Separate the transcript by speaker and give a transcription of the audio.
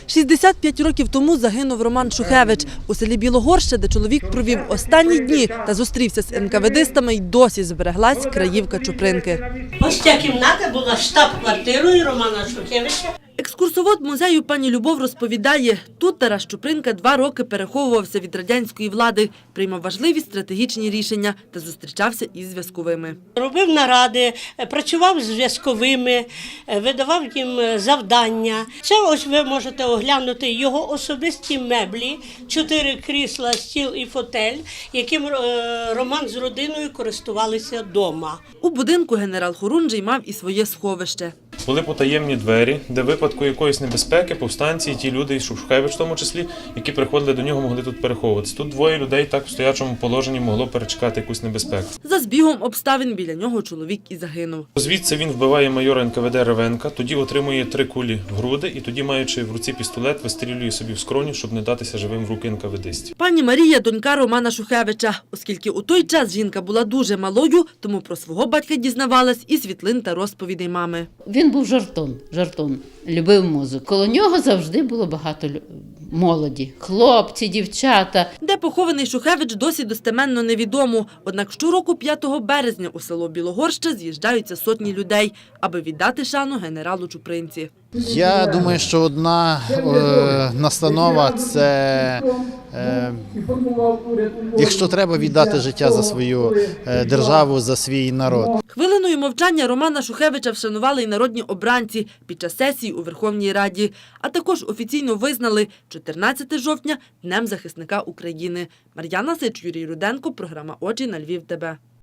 Speaker 1: 65 років тому загинув Роман Шухевич. У селі Білогорще, де чоловік провів останні дні та зустрівся з НКВДистами, й досі збереглась краївка Чупринки.
Speaker 2: Ось ця кімната була штаб-квартирою Романа Шухевича.
Speaker 1: Екскурсовод музею пані Любов розповідає, тут Тарас Чупринка 2 роки переховувався від радянської влади, приймав важливі стратегічні рішення та зустрічався із зв'язковими.
Speaker 2: Робив наради, працював з зв'язковими, видавав їм завдання. Це ось ви можете оглянути його особисті меблі, 4 крісла, стіл і фотель, яким Роман з родиною користувалися вдома.
Speaker 1: У будинку генерал Хорунжий мав і своє сховище.
Speaker 3: Були потаємні двері, де в випадку якоїсь небезпеки, повстанці, ті люди, і Шухевич в тому числі, які приходили до нього, могли тут переховуватися. Тут 2 людей так в стоячому положенні могло перечекати якусь небезпеку.
Speaker 1: За збігом обставин біля нього чоловік і загинув.
Speaker 3: Звідси він вбиває майора НКВД Ревенка, тоді отримує 3 кулі в груди і тоді, маючи в руці пістолет, вистрілює собі в скроню, щоб не датися живим в руки НКВДистів.
Speaker 1: Пані Марія – донька Романа Шухевича. Оскільки у той час жінка була дуже малою, тому про свого батька дізнавалась із світлин та розповідей мами.
Speaker 4: Він був жартун, любив музику. Коло нього завжди було багато молоді, хлопці, дівчата.
Speaker 1: Де похований Шухевич, досі достеменно невідомо. Однак щороку 5 березня у село Білогорще з'їжджаються сотні людей, аби віддати шану генералу Чупринці.
Speaker 5: Я думаю, що одна настанова – це, якщо треба віддати життя за свою державу, за свій народ.
Speaker 1: Хвилиною мовчання Романа Шухевича вшанували й народні обранці під час сесії у Верховній Раді, а також офіційно визнали 14 жовтня – Днем захисника України. Мар'яна Сич, Юрій Руденко, програма «Очі на Львів ТБ».